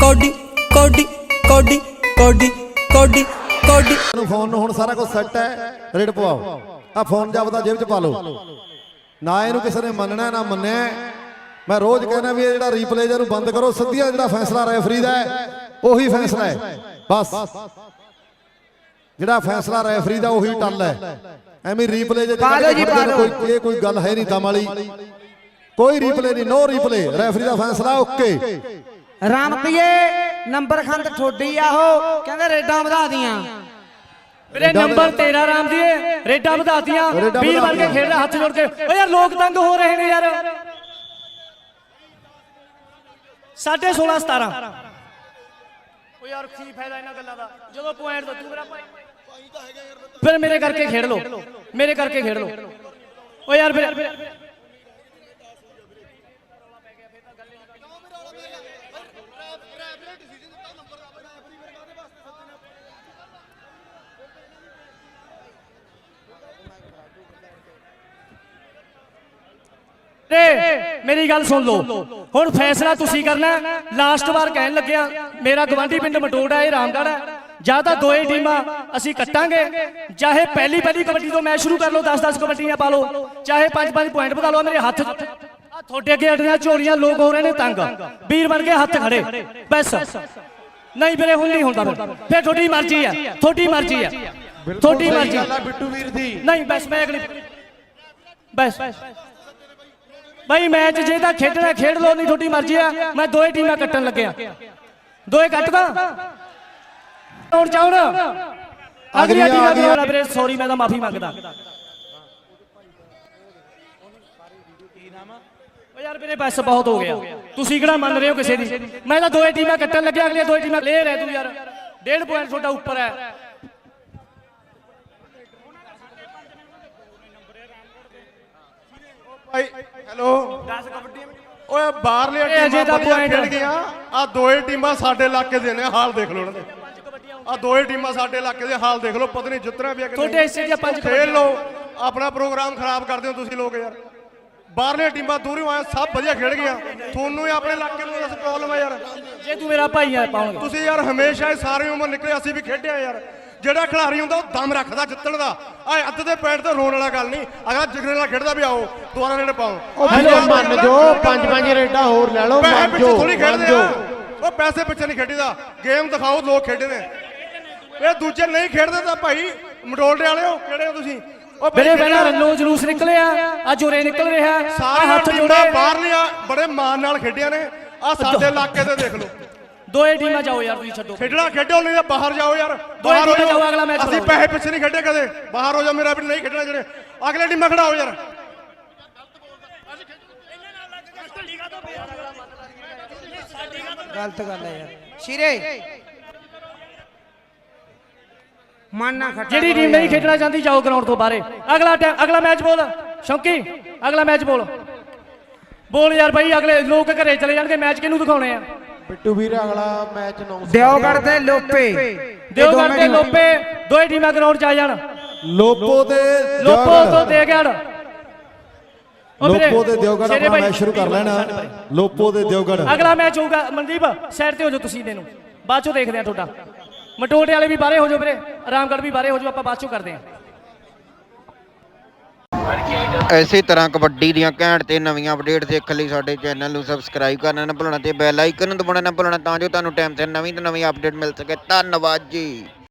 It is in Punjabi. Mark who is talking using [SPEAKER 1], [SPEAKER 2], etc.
[SPEAKER 1] ਕੋਡੀ ਕੋਡੀ ਕੋਡੀ ਕੋਡੀ ਕੋਡੀ ਕੋਡੀ
[SPEAKER 2] ਫੋਨ ਨੂੰ ਹੁਣ ਸਾਰਾ ਕੁਝ ਸੈੱਟ ਹੈ। ਰੇਡ ਪਵਾਓ। ਆ ਫੋਨ ਜਾਪਦਾ ਜੇਬ 'ਚ ਪਾ ਲਓ। ਨਾ ਇਹਨੂੰ ਕਿਸੇ ਨੇ ਮੰਨਣਾ ਨਾ ਮੰਨਿਆ। ਮੈਂ ਰੋਜ਼ ਕਹਿੰਦਾ ਵੀ ਇਹ ਜਿਹੜਾ ਰੀਪਲੇ ਇਹਨੂੰ ਬੰਦ ਕਰੋ। ਸਿੱਧੀਆਂ ਜਿਹੜਾ ਫੈਸਲਾ ਰੈਫਰੀ ਦਾ ਉਹੀ ਫੈਸਲਾ ਹੈ। ਬਸ ਜਿਹੜਾ ਫੈਸਲਾ ਰੈਫਰੀ ਦਾ ਉਹੀ ਟੱਲ ਹੈ। ਐਵੇਂ ਰੀਪਲੇ ਕੋਈ ਗੱਲ ਹੈ ਨਹੀਂ ਦਮ ਵਾਲੀ। ਕੋਈ ਰੀਪਲੇ ਨਹੀਂ, ਨੋ ਰੀਪਲੇ। ਰੈਫਰੀ ਦਾ ਫੈਸਲਾ ਓਕੇ।
[SPEAKER 3] ਰਾਮਪੀਏ ਨੰਬਰ ਖੰਡ ਠੋਡੀ ਆ ਉਹ ਕਹਿੰਦੇ ਰੇਡਾਂ ਵਧਾ ਦੀਆਂ।
[SPEAKER 4] ਵੀਰੇ ਨੰਬਰ 13 ਰਾਮ ਦੀ ਰੇਡਾਂ ਵਧਾਤੀਆਂ। ਵੀਰ ਬਣ ਕੇ ਖੇਡ ਰਿਹਾ ਹੱਥ ਜੋੜ ਕੇ। ਓ ਯਾਰ ਲੋਕ ਤੰਗ ਹੋ ਰਹੇ ਨੇ ਯਾਰ। 16.5 17 ਓ ਯਾਰ ਕੀ ਫਾਇਦਾ ਇਹਨਾਂ ਗੱਲਾਂ ਦਾ ਜਦੋਂ ਪੁਆਇੰਟ ਦਾ ਤੂੰ ਮੇਰਾ ਭਾਈ ਤਾਂ ਹੈਗਾ ਯਾਰ। ਫਿਰ ਮੇਰੇ ਕਰਕੇ ਖੇਡ ਲੋ, ਮੇਰੇ ਕਰਕੇ ਖੇਡ ਲੋ। ਓ ਯਾਰ ਫਿਰ मेरी गल सुन लो। हुण फैसला तुसी करना। लास्ट बार कहन लग्या मेरा गवांढी पिंड मटोड़ा है रामगढ़ है। ਜਾਂ ਤਾਂ ਦੋਏ ਟੀਮਾਂ ਅਸੀਂ ਕੱਟਾਂਗੇ, ਚਾਹੇ ਪਹਿਲੀ ਕਬੱਡੀ ਤੋਂ ਮੈਚ ਸ਼ੁਰੂ ਕਰ ਲਓ, 10-10 ਕਬੱਡੀਆਂ ਪਾ ਲਓ, ਚਾਹੇ 5-5 ਪੁਆਇੰਟ ਵਧਾ ਲਓ। ਮੇਰੇ ਹੱਥ ਤੁਹਾਡੇ ਅੱਗੇ ਅੜੀਆਂ ਝੋਲੀਆਂ ਲੋਕ ਹੋ ਰਹੇ ਨੇ ਤੰਗ। ਵੀਰ ਬਣ ਕੇ ਹੱਥ ਖੜੇ ਬਸ। ਨਹੀਂ ਵੀਰੇ ਹੁਣ ਨਹੀਂ ਹੁੰਦਾ। ਫਿਰ ਤੁਹਾਡੀ ਮਰਜ਼ੀ ਆ, ਤੁਹਾਡੀ ਮਰਜ਼ੀ ਆ, ਤੁਹਾਡੀ ਮਰਜ਼ੀ।
[SPEAKER 5] ਬਿੱਟੂ ਵੀਰ ਦੀ
[SPEAKER 4] ਨਹੀਂ ਬਸ ਮੈਂ ਅਗਲੀ ਬਸ ਭਾਈ ਮੈਚ ਜੇ ਤਾਂ ਖੇਡਣਾ ਖੇਡ ਲਓ, ਨਹੀਂ ਤੁਹਾਡੀ ਮਰਜ਼ੀ ਆ। ਮੈਂ ਦੋਏ ਟੀਮਾਂ ਕੱਟਣ ਲੱਗਿਆ। ਦੋਏ ਕੱਟਦਾ ਹੁਣ ਚਾਹਣ ਅਗਲੀ ਟੀਮ ਵੀਰੇ ਸੌਰੀ ਮੈਂ ਤਾਂ ਮਾਫੀ ਮੰਗਦਾ। ਓ ਯਾਰ ਮੇਰੇ ਪੈਸੇ ਬਹੁਤ ਹੋ ਗਿਆ। ਤੁਸੀਂ ਕਿਹੜਾ ਮੰਨ ਰਹੇ ਹੋ ਕਿਸੇ ਦੀ? ਮੈਂ ਤਾਂ ਦੋਏ ਟੀਮਾਂ ਕੱਟਣ ਲੱਗਿਆ। ਅਗਲੀਆਂ ਦੋਏ ਟੀਮਾਂ ਕਲੀਅਰ ਹੈ। ਤੂੰ ਯਾਰ 1.5 ਪੁਆਇੰਟ ਤੁਹਾਡਾ ਉੱਪਰ ਹੈ।
[SPEAKER 5] ਹੈਲੋ 10 ਕਬੱਡੀ ਓਏ ਬਾਹਰਲੇ ਟੀਮਾਂ ਖੇਡ ਗਈਆਂ। ਆ ਦੋਏ ਟੀਮਾਂ ਸਾਡੇ ਇਲਾਕੇ ਦੇ ਨੇ। ਹਾਲ ਦੇਖ ਲਓ ਉਹਨਾਂ ਦੇ। ਆ ਦੋਏ ਟੀਮਾਂ ਸਾਡੇ ਇਲਾਕੇ ਦੇ ਹਾਲ ਦੇਖ ਲਓ। ਪਤਾ ਨਹੀਂ ਜਿੱਤਣਾ ਵੀ ਆ ਕਿ
[SPEAKER 4] ਤੁਹਾਡੇ ਹਿੱਸੇ ਦੀਆਂ 5
[SPEAKER 5] ਖੇਡ ਲਓ। ਆਪਣਾ ਪ੍ਰੋਗਰਾਮ ਖਰਾਬ ਕਰਦੇ ਹੋ ਤੁਸੀਂ ਲੋਕ ਯਾਰ। ਬਾਹਰਲੇ ਟੀਮਾਂ ਦੂਰੋਂ ਆਏ ਸਭ ਵਧੀਆ ਖੇਡ ਗਈਆਂ। ਤੁਹਾਨੂੰ ਹੀ ਆਪਣੇ ਇਲਾਕੇ ਨੂੰ ਦੱਸ ਪ੍ਰੋਬਲਮ ਹੈ ਯਾਰ।
[SPEAKER 4] ਜੇ ਤੂੰ ਮੇਰਾ ਭਾਈ ਆ ਪਾਉਣਗੇ
[SPEAKER 5] ਤੁਸੀਂ ਯਾਰ ਹਮੇਸ਼ਾ ਹੀ ਸਾਰੀ ਉਮਰ ਨਿਕਲੇ। ਅਸੀਂ ਵੀ ਖੇਡਿਆ ਯਾਰ। ਜਿਹੜਾ ਖਿਡਾਰੀ ਹੁੰਦਾ ਉਹ ਦਮ ਰੱਖਦਾ ਜਿੱਤਣ ਦਾ। ਆ ਅੱਧ ਦੇ ਪੈਂਟ ਤੇ ਰੋਣ ਵਾਲਾ ਗੱਲ ਨਹੀਂ। ਅਗਰ ਜਿਗਰੇ ਨਾਲ ਖੇਡਦਾ ਵੀ ਆਓ ਦੁਬਾਰਾ ਰੇਡ ਪਾਓ।
[SPEAKER 6] ਮੰਨ ਜੋ 5-5 ਰੇਡਾਂ ਹੋਰ ਲੈ ਲਓ।
[SPEAKER 5] ਪੈਸੇ ਪਿੱਛੇ ਥੋੜੀ ਖੇਡਦੇ ਆ। ਉਹ ਪੈਸੇ ਪਿੱਛੇ ਨਹੀਂ ਖੇਡੀਦਾ। ਗੇਮ ਦਿਖਾਓ। ਲੋਕ ਖੇਡੇ ਨੇ। ਇਹ ਦੂਜੇ ਨਹੀਂ ਖੇਡਦੇ ਤਾਂ ਭਾਈ ਮਟੋਲਡੇ ਵਾਲਿਓ ਕਿਹੜੇ ਹੋ ਤੁਸੀਂ? ਉਹ
[SPEAKER 4] ਮੇਰੇ ਪਹਿਲਾਂ ਰੰਨੋ ਜਲੂਸ ਨਿਕਲਿਆ, ਅੱਜ ਉਰੇ ਨਿਕਲ ਰਿਹਾ।
[SPEAKER 5] ਸਾਰੇ ਹੱਥ ਜੋੜੇ ਬਾਹਰਲੀਆਂ ਬੜੇ ਮਾਣ ਨਾਲ ਖੇਡੀਆਂ ਨੇ। ਆ ਸਾਡੇ ਇਲਾਕੇ ਤੇ ਦੇਖ ਲਓ।
[SPEAKER 4] ਦੋਏ ਟੀਮਾਂ ਜਾਓ ਯਾਰ, ਤੁਸੀਂ ਛੱਡੋ
[SPEAKER 5] ਖੇਡਣਾ ਖੇਡੋ, ਨਹੀਂ ਤਾਂ ਬਾਹਰ ਜਾਓ ਯਾਰ। ਬਾਹਰ ਹੋ ਜਾਓ। ਅਗਲਾ ਮੈਚ ਅਸੀਂ ਪੈਸੇ ਪਿੱਛੇ ਨਹੀਂ ਖੇਡੇ ਕਦੇ। ਬਾਹਰ ਹੋ ਜਾਓ। ਮੇਰਾ ਵੀ ਨਹੀਂ ਖੇਡਣਾ। ਜਿਹੜੇ ਅਗਲੇ ਟੀਮਾਂ ਖੜਾਓ ਯਾਰ।
[SPEAKER 3] ਗਲਤ ਗੱਲ ਹੈ ਯਾਰ। ਸ਼ੀਰੇ ਮਨ ਨਾ ਖੱਟਾ।
[SPEAKER 4] ਜਿਹੜੀ ਟੀਮ ਨਹੀਂ ਖੇਡਣਾ ਚਾਹੁੰਦੀ ਜਾਓ ਗਰਾਊਂਡ ਤੋਂ ਬਾਹਰੇ। ਅਗਲਾ ਮੈਚ ਬੋਲ ਸ਼ੌਂਕੀ। ਅਗਲਾ ਮੈਚ ਬੋਲ ਯਾਰ ਬਾਈ। ਅਗਲੇ ਲੋਕ ਘਰੇ ਚਲੇ ਜਾਣਗੇ। ਮੈਚ ਕਿਹਨੂੰ ਦਿਖਾਉਣੇ ਆ?
[SPEAKER 6] ਬਿੱਟੂ ਵੀਰ ਅਗਲਾ ਮੈਚ
[SPEAKER 3] ਦਿਓਗੜ ਤੇ ਲੋਪੇ।
[SPEAKER 4] ਦਿਓਗੜ ਤੇ ਲੋਪੇ ਦੋਏ ਟੀਮਾਂ ਗਰਾਊਂਡ 'ਚ ਆ ਜਾਣ।
[SPEAKER 2] ਲੋਪੋ
[SPEAKER 4] ਤੋਂ ਦੇ ਗੜ
[SPEAKER 2] ਲੋਪੋ ਤੇ ਦਿਓਗੜ ਆਪਣਾ ਮੈਚ ਸ਼ੁਰੂ ਕਰ ਲੈਣਾ। ਲੋਪੋ ਤੇ ਦਿਓਗੜ
[SPEAKER 4] ਅਗਲਾ ਮੈਚ ਹੋਊਗਾ। ਮਨਦੀਪ ਸਾਈਡ ਤੇ ਹੋ ਜਾਓ ਤੁਸੀਂ। ਇਹਨੂੰ ਬਾਅਦ ਚੋਂ ਦੇਖਦੇ ਆ। ਤੁਹਾਡਾ ਮਟੋਟੇ ਵਾਲੇ ਵੀ ਬਾਹਰੇ ਹੋ ਜਾਓ ਵੀਰੇ। ਆਰਾਮਗੜ੍ਹ ਵੀ ਬਾਹਰੇ ਹੋ ਜਾਓ। ਆਪਾਂ ਬਾਅਦ ਚੋਂ ਕਰਦੇ ਆ।
[SPEAKER 7] ਇਸੇ ਤਰ੍ਹਾਂ ਕਬੱਡੀ ਦੀਆਂ ਘੈਂਟ ਤੇ ਨਵੀਆਂ ਅਪਡੇਟ ਦੇਖਣ ਲਈ ਸਾਡੇ ਚੈਨਲ ਨੂੰ ਸਬਸਕ੍ਰਾਈਬ ਕਰਨਾ ਨਾ ਭੁੱਲਣਾ ਤੇ ਬੈਲ ਆਈਕਨ ਨੂੰ ਦਬਾਉਣਾ ਨਾ ਭੁੱਲਣਾ, ਤਾਂ ਜੋ ਤੁਹਾਨੂੰ ਟਾਈਮ ਤੇ ਨਵੀਂ ਅਪਡੇਟ ਮਿਲ ਸਕੇ। ਧੰਨਵਾਦ ਜੀ।